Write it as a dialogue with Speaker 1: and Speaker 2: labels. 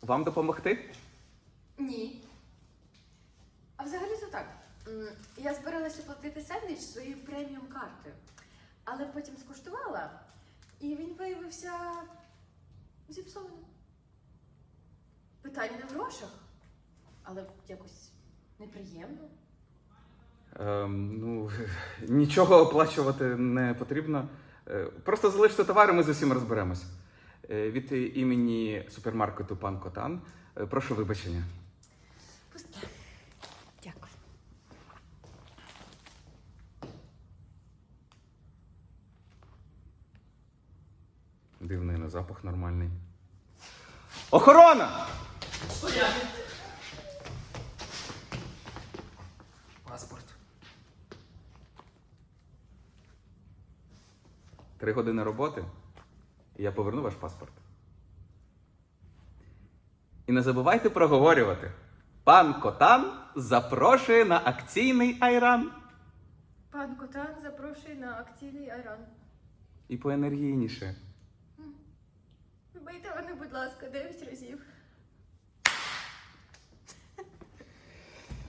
Speaker 1: Вам допомогти?
Speaker 2: Ні. А взагалі-то так. Я збиралася оплатити сендвіч своєю преміум картою. Але потім скуштувала, і він виявився зіпсованим. Питання не в грошах, але якось неприємно.
Speaker 1: Ну, нічого оплачувати не потрібно. Просто залиште товари, ми з усім розберемось. Від імені супермаркету «Пан Котан» прошу вибачення.
Speaker 2: Пусте. Дякую.
Speaker 1: Дивний на запах нормальний. Охорона!
Speaker 3: Стояти! Паспорт.
Speaker 1: 3 години роботи, і я поверну ваш паспорт. І не забувайте проговорювати. Пан Котан запрошує на акційний айран.
Speaker 2: Пан Котан запрошує на акційний айран.
Speaker 1: І поенергійніше.
Speaker 2: Вбийте мене, будь ласка, 9 разів.